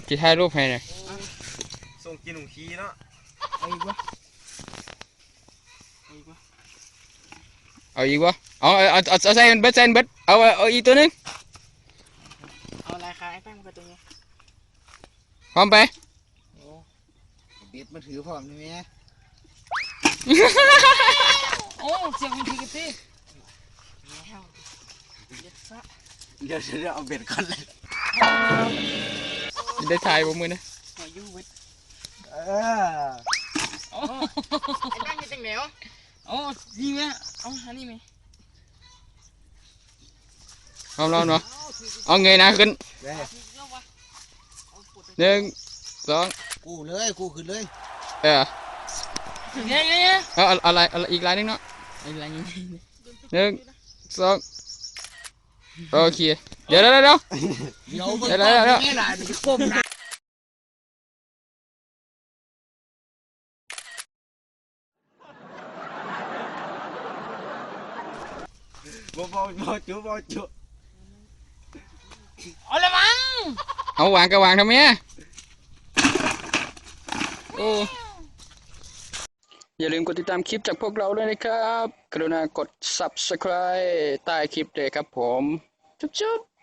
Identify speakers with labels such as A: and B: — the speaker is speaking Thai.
A: จะถ่ายรูปให้หน่อย
B: ส่งกินหนุ่มขี้เนาะ
A: เอาอีกวะเอาใส่เบิดเอาอีกตัวนึง
C: เอาอะไรคะไอ้แป้งมันก็ตัวนี้
A: พร้อมไป
C: เบ็ดมาถือพร้อมนี่แม่โอ้เสียงมันทีกันสิเดี๋ยวเอาเบ็ดก่อนเลย
A: ได้ถ่ายบ่มือนะ
C: หัวยูเบ็ดโอ้ไอ้แป้งมีตังเหนียวโอ้ดีไหมเอาอันนี้ไหม
A: พร้อมแล้วเนาะเอาเงยหน้าขึ้น1 2
C: กูเลยกูขึ้นเลย
A: เนี่ยเอาอะไรอีกลายนึงเนาะ
C: อีกลายนึง
A: 1 2โอเคเดี๋ยว
C: นี่ล่ะนี่ก้มนะ
B: บ่จุ
C: เอาละมั้ง
A: เอาวางก็วางทำไมโอ้อย่าลืมกดติดตามคลิปจากพวกเราด้วยนะครับกรุณากด Subscribe ใต้คลิปเลยครับผมจุ๊บ